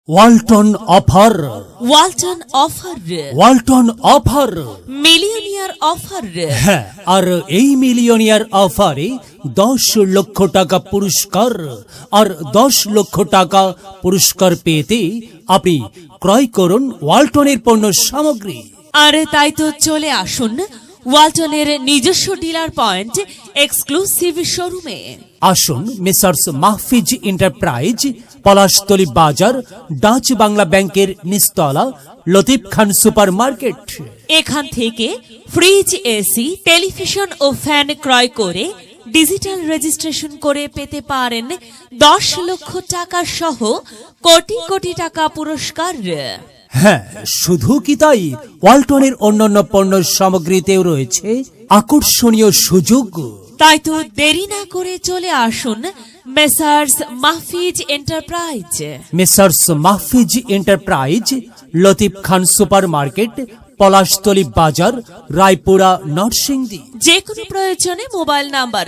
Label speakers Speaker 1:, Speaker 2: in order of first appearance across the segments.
Speaker 1: Walton offer,
Speaker 2: Walton offer,
Speaker 1: Walton offer.
Speaker 2: Millionaire offer.
Speaker 1: হ্যাঁ, আর এই মিলিয়নিয়ার অফারে 10 লক্ষ টাকা পুরস্কার আর 10 লক্ষ টাকা পুরস্কার পেতে আপনি ক্রয় করুন ওয়ালটনের পণ্য সামগ্রী।
Speaker 2: আরে তাই তো চলে আসুন ওয়ালটনের নিজস্ব ডিলার পয়েন্ট এক্সক্লুসিভ শোরুমে।
Speaker 1: আসুন মেসার্স মাহফিজ এন্টারপ্রাইজ, পলাশতলী বাজার, ডাচ বাংলা ব্যাংকের নিচতলা, লতিফ খান সুপার মার্কেট।
Speaker 2: এখান থেকে ফ্রিজ, এসি, টেলিভিশন ও ফ্যান ক্রয় করে ডিজিটাল রেজিস্ট্রেশন করে পেতে পারেন 10 লক্ষ টাকা সহ কোটি কোটি টাকা পুরস্কার।
Speaker 1: হ্যাঁ, শুধু কি তাই, ওয়ালটনের অন্যান্য পণ্য সামগ্রীতেও রয়েছে আকর্ষণীয় সুযোগ।
Speaker 2: তাই তো দেরি না করে চলে আসুন messrs Mahfiz enterprise.
Speaker 1: Messrs Mahfiz enterprise, Latif Khan super market, Palashtali Bazar, Raipura, Narsingdi.
Speaker 2: যে কোনো প্রয়োজনে মোবাইল নাম্বার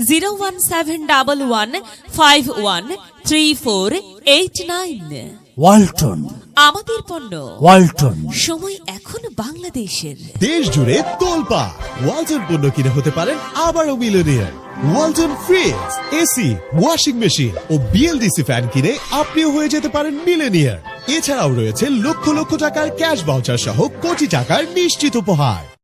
Speaker 2: 01711513489।
Speaker 1: ওয়ালটন,
Speaker 2: আমাদের পণ্য,
Speaker 1: ওয়ালটন।
Speaker 2: সময় এখন বাংলাদেশের।
Speaker 3: দেশ জুড়ে তোলপা ওয়ালটন পণ্য কিনে হতে পারেন আবারও millionaire. Walton fridge, AC, washing machine ও বিএলডিসি ফ্যান কিনে আপনিও হয়ে যেতে পারেন মিলিয়নিয়ার। এছাড়াও রয়েছে লক্ষ লক্ষ টাকার ক্যাশ ভাউচার সহ কোটি টাকার নিশ্চিত উপহার।